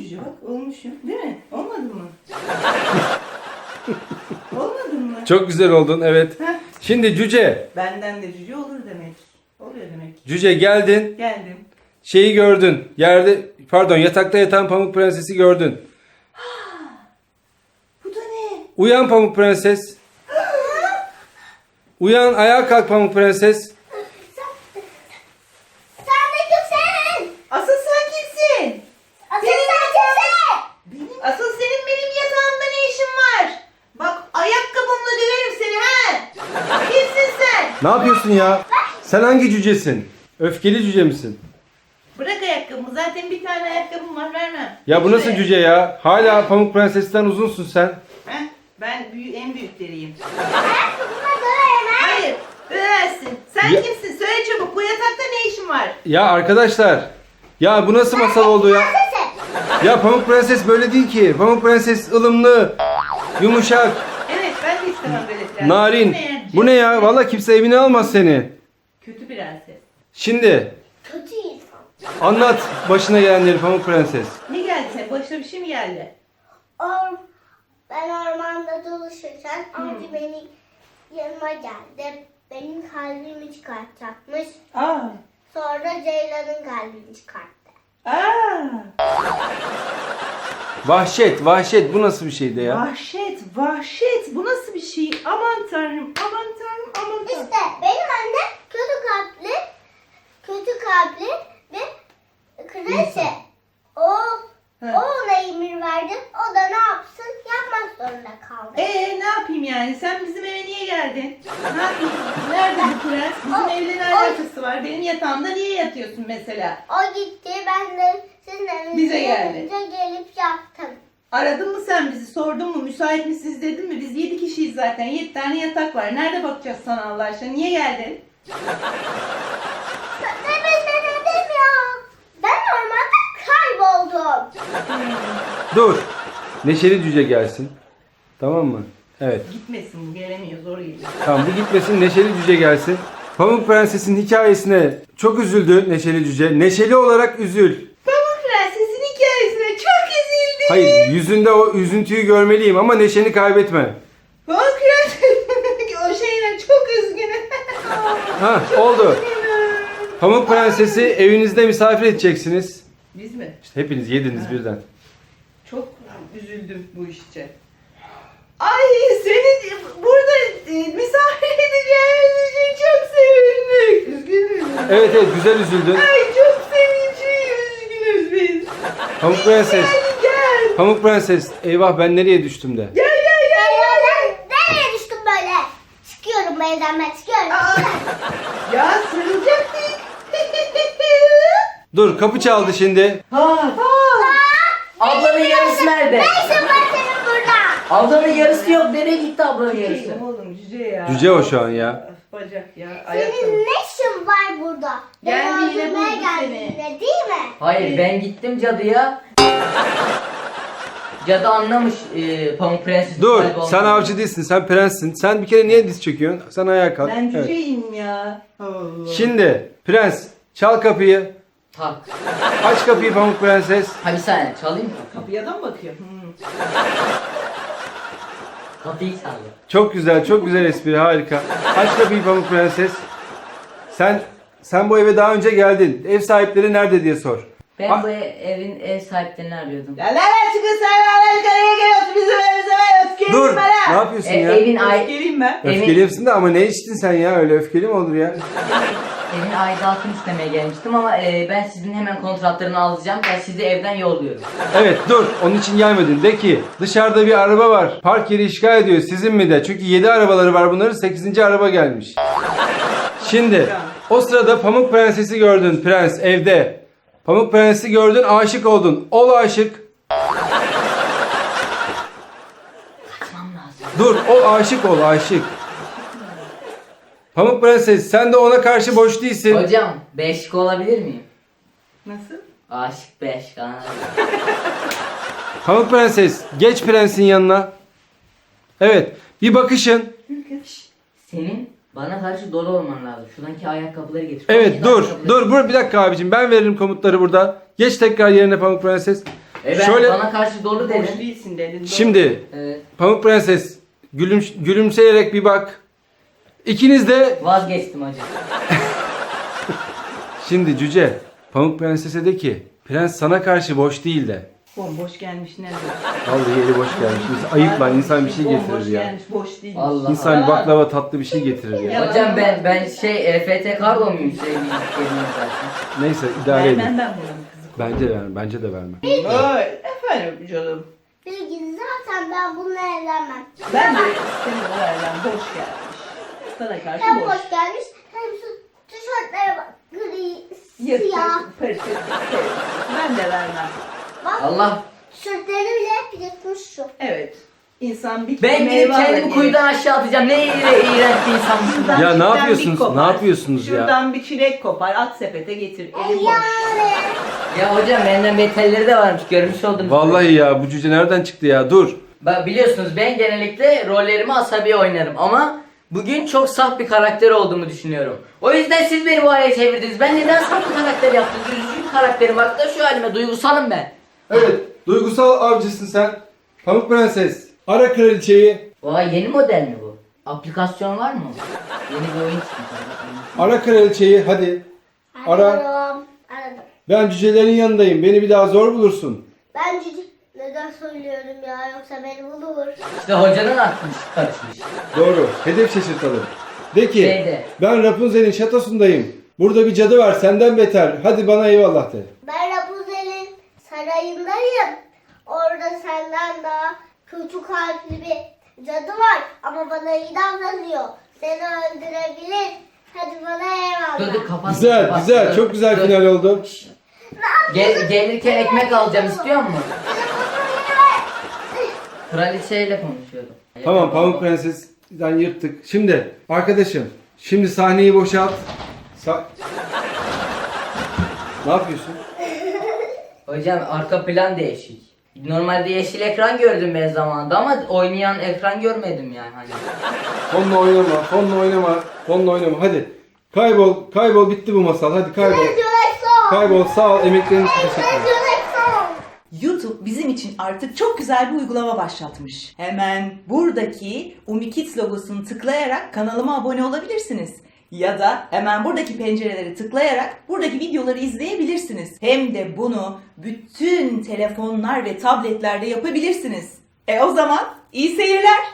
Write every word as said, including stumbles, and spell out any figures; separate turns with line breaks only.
cüce bak olmuşum değil mi? Olmadı mı? Olmadı mı?
Çok güzel oldun, evet.
Heh.
Şimdi cüce.
Benden de cüce olur demek. Oluyor demek.
Cüce geldin.
Geldim.
Şeyi gördün. Yerde, pardon, yatakta yatan Pamuk Prenses'i gördün.
Bu da ne?
Uyan Pamuk Prenses. Uyan, ayağa kalk Pamuk Prenses.
Sen de kimsin?
Asıl sen kimsin?
Asıl
Benim
sen kimsin?
Benim, asıl senin benim yatağımda ne işin var? Bak ayakkabımla döverim seni ha. Kimsin sen?
Ne yapıyorsun ya? Sen hangi cücesin? Öfkeli cüce misin?
Bırak ayakkabımı. Zaten bir tane ayakkabım var, vermem.
Ya bu nasıl
Şuraya.
cüce ya? Hala Pamuk Prenses'ten uzunsun sen.
Heh, ben büyü, en büyükleriyim.
Ayakkabıma döverim ha.
Hayır, översin. Sen
Ya-
kimsin? Söyle çabuk. Bu yatakta ne işin var?
Ya arkadaşlar. Ya bu nasıl masal oldu ya?
Sensin.
Ya Pamuk Prenses böyle değil ki. Pamuk Prenses ılımlı, yumuşak,
Evet, ben de istemem böyle prenses.
narin. Bu ne ya? Vallahi kimse evine almaz seni.
Kötü prenses.
Şimdi
Kötü insan.
anlat başına gelenleri Pamuk Prenses.
Ne geldi senin? Başına bir şey mi geldi?
Or ben ormanda dolaşırken avcı benim yanıma geldi. Benim kalbimi çıkartacakmış.
Aa.
Sonra Ceylan'ın kalbini çıkarttı.
Aa.
Vahşet, vahşet. Bu nasıl bir şeydi ya?
Vahşet, vahşet. Bu nasıl bir şey? Aman tanrım, aman tanrım, aman tanrım.
İşte benim annem kötü kalpli, kötü kalpli ve kraliçe. O,
He.
o ona emir verdi. O da ne yapsın? Yapmak zorunda kaldı.
Ee ne yapayım yani? Sen bizim eve niye geldin? Ne yapayım? Nerede bu prens? Bizim
O-
evle ne
o-
alakası var? Benim yatağımda niye yatıyorsun mesela?
O gitti, ben de sizin evinize
Bize geldi.
gelince gelip yattım.
Aradın mı sen bizi? Sordun mu? Müsait misiniz dedin mi? Biz yedi kişiyiz zaten. Yedi tane yatak var. Nerede bakacağız sana Allah aşkına? Niye geldin?
Demin ne dedim ya? Ben ormanda kayboldum.
Dur. Neşeli cüce gelsin. Tamam mı? Evet.
Gitmesin bu. Gelemiyor. Zor geliyor.
Tamam, bu gitmesin, Neşeli Cüce gelsin. Pamuk Prenses'in hikayesine çok üzüldü Neşeli Cüce. Neşeli olarak üzül.
Pamuk Prenses'in hikayesine çok üzüldüm.
Hayır, yüzünde o üzüntüyü görmeliyim ama neşeni kaybetme.
Pamuk Prenses o şeyine çok üzgünüm.
Ha, oldu. Pamuk Prenses'i evinizde misafir edeceksiniz.
Biz mi?
İşte hepiniz yediniz birden.
Çok üzüldüm bu işçe. Ay seni burada e, misafir edeceğimiz için çok sevindik. Üzgünüz.
Evet evet, güzel üzüldün.
Ay çok sevinçliyiz, üzgünüz biz.
Pamuk Prenses.
Gel gel.
Pamuk Prenses, eyvah ben nereye düştüm de.
Gel gel gel.
Ben nereye düştüm böyle? Çıkıyorum bu evden, ben çıkıyorum.
Aa, ya sarılacaktık.
Dur, kapı çaldı şimdi.
Ha, ablanın yarısı nerede?
Ne işin var senin burada?
Ablanın yarısı yok. Nereye gitti ablanın yarısı?
Şey, oğlum cüce ya.
Cüce o şu an ya.
Bacak ya. Ayakkabı.
Senin ne işin var burada?
Geldi
Beni
yine
öldürmeye
buldu
geldin
seni.
yine, değil mi?
Hayır, ben gittim cadıya. Cadı anlamış e, Pamuk Prenses'in
Dur,
kalbi
sen
olduğunu.
avcı değilsin, sen prenssin. Sen bir kere niye diz çöküyorsun? Sen ayağa kalk.
Ben
Evet.
cüceyim ya. Allah.
Şimdi prens, çal kapıyı.
Tak.
Aç kapıyı Pamuk Prenses.
Ha bir saniye çalayım mı?
Kapıya da mı bakıyor? Hmm.
Kapıyı çaldı.
Çok güzel, çok güzel espri, harika. Aç kapıyı Pamuk Prenses. Sen sen bu eve daha önce geldin. Ev sahipleri nerede diye sor.
Ben
Ah.
bu ev- evin ev sahiplerini arıyordum.
La la la çıkın sen la la yukarıya gel otur bizim evimize ben öfkeliyim
Dur,
ben ha.
ne yapıyorsun
E,
ya?
evin ay
Öfkeliyim ben.
evin-
Öfkelisin de ama ne içtin sen ya? Öyle öfkeli mi olur ya?
evin aidatını istemeye gelmiştim ama e, ben sizin hemen kontratlarını alacağım. Ben sizi evden yolluyorum.
Evet dur, onun için gelmedin. De ki dışarıda bir araba var. Park yeri işgal ediyor. Sizin mi de? Çünkü yedi arabaları var bunların. sekizinci araba gelmiş. Şimdi o sırada Pamuk Prenses'i gördün prens evde. Pamuk Prenses'i gördün, aşık oldun. Ol aşık.
Kaçmam lazım.
Dur, ol aşık ol aşık. Pamuk Prenses sen de ona karşı boş değilsin.
Hocam beşik olabilir miyim?
Nasıl?
Aşık beş kanal.
Pamuk Prenses geç prensin yanına. Evet, bir bakışın.
Senin bana karşı dolu olman lazım. Şuradaki ayakkabıları getir.
Evet
Şuradaki
dur
ayakkabıları-
dur bur bir dakika abicim, ben veririm komutları burada. Geç tekrar yerine Pamuk Prenses.
E ben
Şöyle-
bana karşı dolu
Boş
dedin.
değilsin dedin. doğru.
Şimdi
Evet.
Pamuk Prenses gülüm, gülümseyerek bir bak. İkiniz de
Vazgeçtim hacı.
şimdi Cüce Pamuk Prenses'e de ki prens sana karşı boş değil de.
Bomboş gelmiş nerede?
Vallahi eli boş gelmiş. Biz ayıp lan insan bir şey
Bomboş
getirir ya.
gelmiş boş değil.
Allah
İnsan
Allah.
baklava tatlı bir şey getirir ya.
Ya.
Hocam ben ben şey E F T kargo muyum şey bilgilerim zaten.
Neyse idare edin.
Vermem ben bunu kızım.
Bence verme. Bence de verme.
Ay, efendim canım.
Bilgin zaten ben bununla evlenmem.
Ben de senin o yerden boş gelmiş. Sana karşı
Hem
boş.
boş gelmiş hem şu tişörtlere bak. Gri,
Yırtık,
siyah.
pırtık, pırtık. Ben de vermem.
Bak
Allah.
tişörtlerini bile hep yırtmış şu.
Evet. İnsan bir
Ben
meyve
gidip kendimi
alır,
kuyudan aşağı atacağım. Ne iğrenç bir insanmışım ben.
Şuradan
Ya ne
çilekten
yapıyorsunuz?
bir kopar,
Ne yapıyorsunuz ya?
Şuradan bir çilek kopar, at sepete getir. Elim boş.
Yani.
Ya hocam benden beterleri de varmış. Görmüş oldum.
Vallahi ya bu cüce nereden çıktı ya? Dur.
Bak biliyorsunuz ben genellikle rollerimi asabi oynarım ama bugün çok saf bir karakter olduğumu düşünüyorum. O yüzden siz beni bu hale çevirdiniz. Ben neden saf bir karakter yaptım? Üzücü bir karakterim. Bak da şu halime duygusalım ben.
Evet. Duygusal avcısın sen. Pamuk Prenses. Ara kraliçeyi.
Vay yeni model mi bu? Aplikasyon var mı? Yeni bir oyun çıkmış.
Ara kraliçeyi hadi. Ara.
Arıyorum. Aradım.
Ben cücelerin yanındayım. Beni bir daha zor bulursun.
Ben cici neden söylüyorum ya yoksa beni bulur.
İşte hocanın aklını karışmış.
Doğru. Hedef şaşırtalım. De ki
Şeyde.
ben Rapunzel'in şatosundayım. Burada bir cadı var senden beter. Hadi bana eyvallah de.
Ben Rapunzel'in sarayındayım. Orada senden daha kötü kalpli bir cadı var ama bana iyi davranıyor. Seni öldürebilir. Hadi bana eyvallah.
Dur dur kapat.
Güzel
kapat,
güzel.
dur,
Çok güzel
dur.
final oldu.
Gel, gelirken ekmek alacağım istiyor musun? Kraliçeyle konuşuyordum.
Tamam Pamuk Prenses'den yırttık. Şimdi arkadaşım. Şimdi sahneyi boşalt. Sa- ne yapıyorsun?
Hocam arka plan değişik. Normalde yeşil ekran gördüm ben zamanında ama oynayan ekran görmedim yani hani.
Fonla oynama, fonla oynama, fonla oynama. Hadi. Kaybol, kaybol bitti bu masal. Hadi kaybol. Kaybol sağ ol emeklerin için teşekkür ederim.
YouTube bizim için artık çok güzel bir uygulama başlatmış. Hemen buradaki UmiKids logosunu tıklayarak kanalıma abone olabilirsiniz. Ya da hemen buradaki pencereleri tıklayarak buradaki videoları izleyebilirsiniz. Hem de bunu bütün telefonlar ve tabletlerde yapabilirsiniz. E o zaman iyi seyirler.